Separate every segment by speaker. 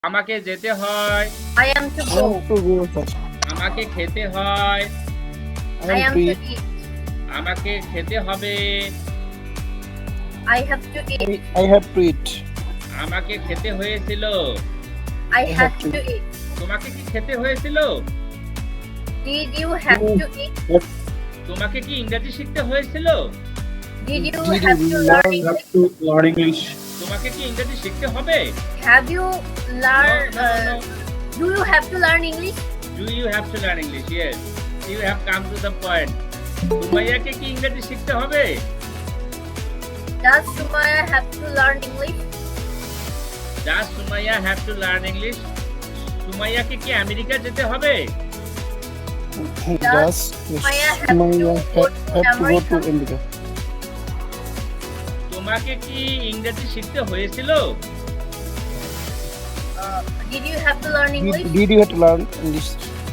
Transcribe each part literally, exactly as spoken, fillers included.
Speaker 1: আমাকে যেতে হয়।
Speaker 2: I am to go.
Speaker 3: to go, sir.
Speaker 1: আমাকে খেতে হয়।
Speaker 2: I
Speaker 3: I
Speaker 2: am
Speaker 3: am to
Speaker 2: to
Speaker 3: eat.
Speaker 2: eat.
Speaker 1: আমাকে খেতে হবে।
Speaker 2: I have to eat.
Speaker 3: I, I have to eat.
Speaker 1: আমাকে খেতে হয়েছিল।
Speaker 2: I
Speaker 3: I
Speaker 2: had
Speaker 3: have
Speaker 2: to
Speaker 3: to
Speaker 2: eat.
Speaker 1: তোমাকে কি খেতে হয়েছিল?
Speaker 2: Did you have
Speaker 3: You-
Speaker 2: to eat?
Speaker 1: তোমাকে কি ইংরেজি শিখতে হয়েছিল?
Speaker 2: Did you
Speaker 3: Did
Speaker 2: have
Speaker 3: you
Speaker 2: to learn
Speaker 3: learn
Speaker 2: English?
Speaker 3: to learn English?
Speaker 1: তোমাকে কি ইংরেজি শিখতে হবে?
Speaker 2: Have you learn?
Speaker 1: No, no, no.
Speaker 2: Uh, do you have to learn English?
Speaker 1: Do you have to learn English? Yes. You have come to the point. সুমাইয়াকে কি ইংরেজি শিখতে হবে?
Speaker 2: Does Sumaya have to learn English?
Speaker 1: Does Sumaiya have to learn English? সুমাইয়াকে কি America যেতে হবে?
Speaker 3: Does
Speaker 2: Maya have to
Speaker 3: Maya
Speaker 2: go
Speaker 3: have,
Speaker 2: to
Speaker 3: have to go to
Speaker 2: America?
Speaker 3: America?
Speaker 1: তোমাকে কি ইংরেজি শিখতে হয়েছিল?
Speaker 2: Uh, did you have to learn English?
Speaker 3: Did, did you have to learn English?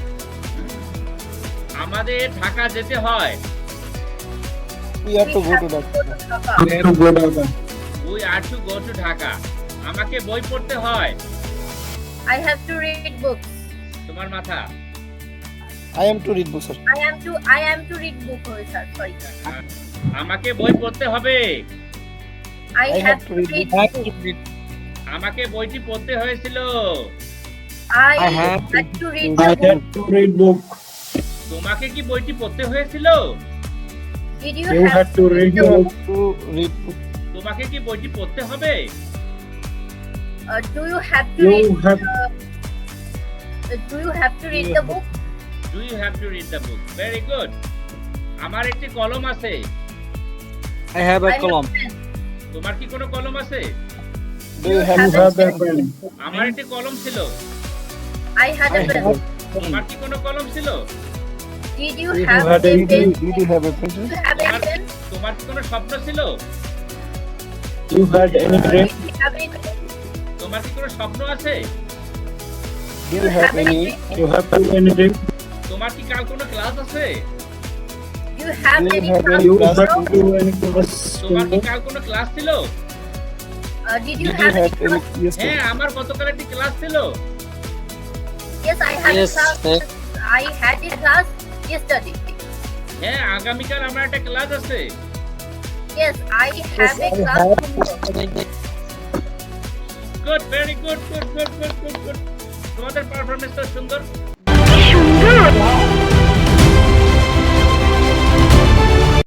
Speaker 1: আমাদের ঢাকা যেতে হয়।
Speaker 3: We have to go to
Speaker 2: go
Speaker 3: Dhaka.
Speaker 2: to Dhaka.
Speaker 3: We have to go to Dhaka.
Speaker 1: We are to go to Dhaka. আমাকে বই পড়তে হয়।
Speaker 2: I have to read books.
Speaker 1: তোমার মাথা।
Speaker 3: I am to read books, sir.
Speaker 2: I am to I am to read book. Oh, sir, sorry.
Speaker 1: আমাকে বই পড়তে হবে।
Speaker 2: I,
Speaker 3: I
Speaker 2: have,
Speaker 3: have
Speaker 2: to
Speaker 3: to read
Speaker 2: read
Speaker 3: book.
Speaker 2: book.
Speaker 1: আমাকে বইটি পড়তে হয়েছিল।
Speaker 2: I,
Speaker 3: I have
Speaker 2: had to read
Speaker 3: I
Speaker 2: the
Speaker 3: have
Speaker 2: book.
Speaker 3: to read book.
Speaker 1: তোমাকে কি বইটি পড়তে হয়েছিল?
Speaker 2: Did you,
Speaker 3: You
Speaker 2: have
Speaker 3: have to read
Speaker 2: the
Speaker 3: book.
Speaker 2: book?
Speaker 3: To read book.
Speaker 1: তোমাকে কি বইটি পড়তে হবে?
Speaker 2: Uh, do you have to
Speaker 3: You
Speaker 2: read?
Speaker 3: have-
Speaker 2: The, uh, do you have to read
Speaker 3: You
Speaker 2: the
Speaker 3: have-
Speaker 2: book?
Speaker 1: Do you have to read the book? Very good. আমার একটি কলম আছে।
Speaker 3: I have
Speaker 2: I have pen.
Speaker 1: তোমার কি কোনো কলম আছে?
Speaker 3: Do you have,
Speaker 2: have a
Speaker 3: pen?
Speaker 1: আমার একটি কলম ছিল।
Speaker 2: I had
Speaker 3: I
Speaker 2: a pen.
Speaker 3: have.
Speaker 1: তোমার কি কোনো কলম ছিল?
Speaker 2: Did you
Speaker 3: Did you
Speaker 2: have
Speaker 3: have
Speaker 2: a
Speaker 3: a
Speaker 2: pen?
Speaker 3: Did you have a pencil?
Speaker 2: Do you have a pen?
Speaker 1: তোমার কি কোনো স্বপ্ন ছিল?
Speaker 3: You had any
Speaker 2: Uh,
Speaker 3: dream?
Speaker 2: Did you have any dream?
Speaker 1: তোমার কি কোনো স্বপ্ন আছে?
Speaker 3: Do you have
Speaker 2: have any
Speaker 3: any?
Speaker 2: dream?
Speaker 3: You have any dream?
Speaker 1: তোমার কি কাল কোনো ক্লাস আছে?
Speaker 2: Do you have
Speaker 3: Do you
Speaker 2: any
Speaker 3: have
Speaker 2: class
Speaker 3: any class?
Speaker 2: tomorrow?
Speaker 3: Do any class?
Speaker 1: তোমার কি কাল কোনো ক্লাস ছিল?
Speaker 2: Uh, did you
Speaker 3: Did you
Speaker 2: have any
Speaker 3: have any?
Speaker 2: class?
Speaker 3: Yes,
Speaker 1: হ্যাঁ,
Speaker 3: sir.
Speaker 1: আমার গতকাল একটি ক্লাস ছিল।
Speaker 2: Yes, I had
Speaker 3: Yes,
Speaker 2: a class.
Speaker 3: sir.
Speaker 2: I had a class yesterday.
Speaker 1: হ্যাঁ, আগামীকাল আমার একটা ক্লাস আছে।
Speaker 2: Yes, I have a
Speaker 3: I
Speaker 2: class
Speaker 3: have-
Speaker 2: tomorrow.
Speaker 1: Good, very good, good, good, good, good, good. তোমাদের পারফরমেন্স তো সুন্দর।
Speaker 2: সুন্দর